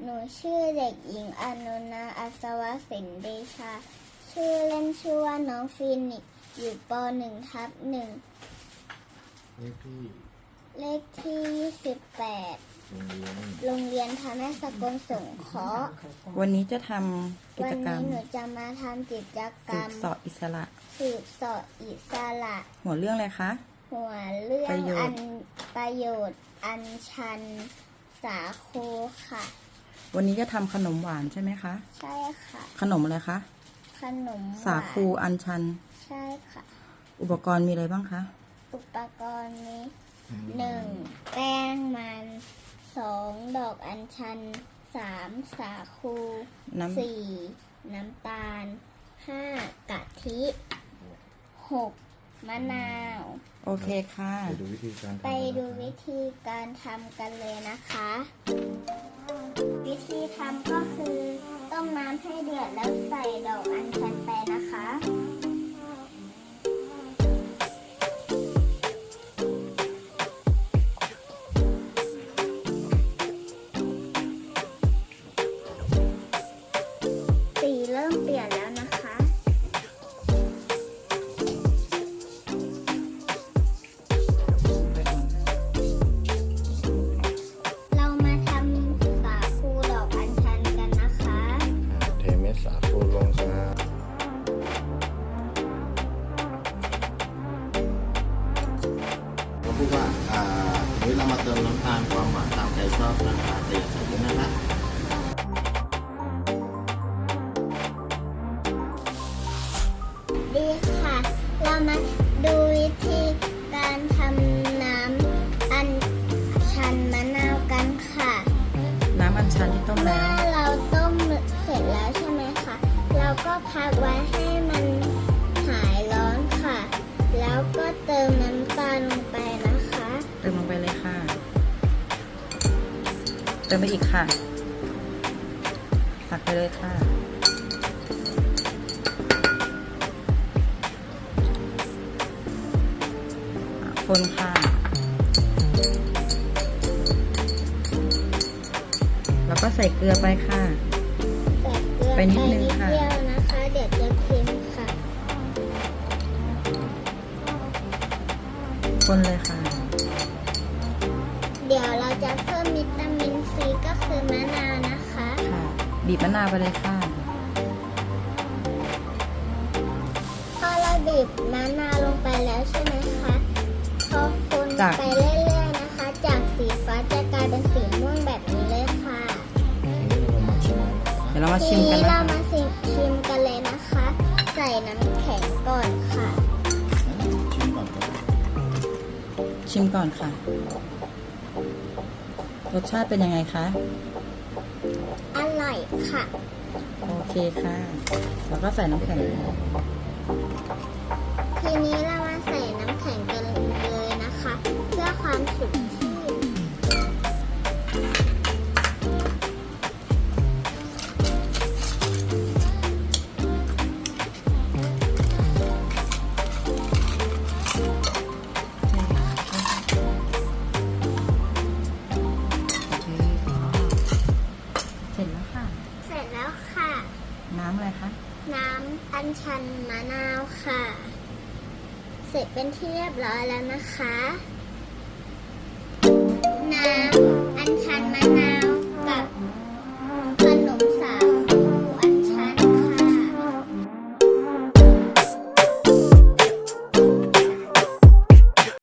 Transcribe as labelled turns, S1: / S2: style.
S1: หนูชื่อเด็กหญิงอนุนาอัศวสินเดชาชื่อเล่นชื่อว่าน้องฟีนิกซ์อยู่ป .1/1 เลขที่28โรงเรียนธนสกลสงเคราะห์
S2: วันนี้จะทำกิจกรรม
S1: วันนี้หนูจะมาทำกิจกรรม
S2: สืบเสาะอิสระ
S1: สืบเสาะอิสระ
S2: หัวเรื่องอะไรคะ
S1: หัวเรื่อง
S2: ประโยชน์
S1: ประโยชน์อัญชันสาคูค่ะ
S2: วันนี้จะทำขนมหวานใช่ไหมคะ
S1: ใช่ค่ะ
S2: ขนมอะไรคะ
S1: ขนมหวาน
S2: สาคูอัญชัน
S1: ใช่ค่ะ
S2: อุปกรณ์มีอะไรบ้างคะ
S1: อุปกรณ์นี้1แป้งมัน2ดอกอัญชัน3สาคู4น้ำตาล5กะทิ6มะนาว
S2: โอเคค่ะ
S1: ไปดูวิธีการทำกันเลยนะคะ วิธีทำก็คือต้มน้ำให้เดือดแล้วใส่ดอกอัญชันไปนะคะสีเริ่มเปลี่ยนแล้วนะคะ เรามาทำสาคูดอกอัญชันกันนะคะ
S3: เทเม็ดสาคูลงครับก็พูดว่าวันนี้เรามาเติมน้ำตาลความหวานตามใจชอบนะคะแต่อย่าใส่เยอะนะคะ
S1: ดีค่ะ เรามาดูวิธีการทำน้ำอัญชันมะนาวกันค่ะ
S2: น้ำอัญชันที่ต้ม
S1: เมื่
S2: แล้
S1: อ
S2: ว
S1: เราต้มเสร็จแล้วใช่ไหมคะ เราก็พักไว้ให้มันหายร้อนค่ะ แล้วก็เติมน้ำตาลลงไปนะคะ
S2: เติมลงไปเลยค่ะ เติมไปอีกค่ะ ตักไปเลยค่ะคนค่ะ แล้วก็ใส่เกลือไปค่ะ
S1: ใส่เกลือ
S2: ไปนิดนึงค่ะ
S1: เดียวนะคะ เดี๋ยวจะเค็มค่ะ
S2: คนเลยค่ะ
S1: เดี๋ยวเราจะเพิ่มวิตามินซีก็คือมะนาวนะคะ
S2: ค่ะ บีบมะนาวไปเลยค่ะ
S1: พอเราบีบมะนาวลงไปแล้วใช่ไหมคะพอคน
S2: จาก
S1: ไปเรื่อยๆนะคะ จากสีฟ้าจะกลายเป็นสีม่วงแบบนี้เลยค่ะ
S2: เดี๋ยวเรามา
S1: ที
S2: ชิมกัน
S1: นี้
S2: นะ
S1: เรา
S2: คะ
S1: มาชิมกันเลยนะคะ ใส่น้ำแข็งก่อนค่ะ
S3: ชิมก่อนก็ได้
S2: ชิมก่อนค่ะ รสชาติเป็นยังไงคะ
S1: อร่อยค่ะ
S2: โอเคค่ะ แล้วก็ใส่น้ำแข็ง
S1: ทีนี้เรามาใส่น้ำแข็งกันเลยนะคะ เพื่อความสดชื่น
S2: เสร็จแล้วค่ะ
S1: เสร็จแล้วค่ะ
S2: น้ำอะไรคะ
S1: น้ำอัญชันมะนาวค่ะ เสร็จเป็นที่เรียบร้อยแล้วนะคะ น้ำอัญชันมะนาว